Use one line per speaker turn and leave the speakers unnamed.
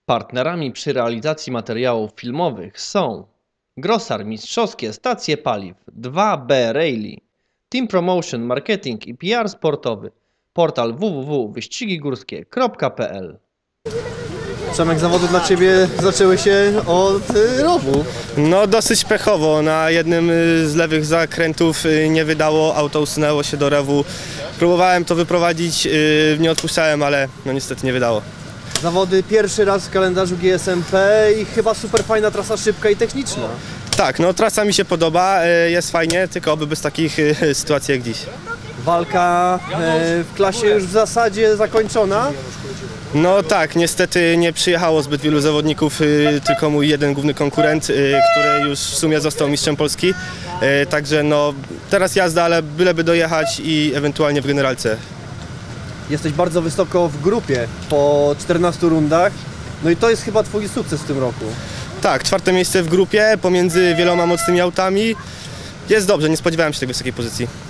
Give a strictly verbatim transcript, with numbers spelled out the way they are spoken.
Partnerami przy realizacji materiałów filmowych są Grosar Mistrzowskie Stacje Paliw, dwa B Rally, Team Promotion Marketing i P R Sportowy, portal w w w kropka wyścigi górskie kropka p l.
Przemek, zawody dla Ciebie zaczęły się od y, rowu.
No dosyć pechowo, na jednym y, z lewych zakrętów y, nie wydało, auto usunęło się do rewu. Próbowałem to wyprowadzić, y, nie odpuszczałem, ale no niestety nie wydało.
Zawody pierwszy raz w kalendarzu G S M P i chyba super fajna trasa, szybka i techniczna.
Tak, no trasa mi się podoba, y, jest fajnie, tylko oby bez takich y, sytuacji jak dziś.
Walka y, w klasie już w zasadzie zakończona.
No tak, niestety nie przyjechało zbyt wielu zawodników, y, tylko mój jeden główny konkurent, y, który już w sumie został mistrzem Polski. Y, także no teraz jazda, ale byleby dojechać i ewentualnie w generalce.
Jesteś bardzo wysoko w grupie po czternastu rundach. No i to jest chyba Twój sukces w tym roku.
Tak, czwarte miejsce w grupie pomiędzy wieloma mocnymi autami. Jest dobrze, nie spodziewałem się tej wysokiej pozycji.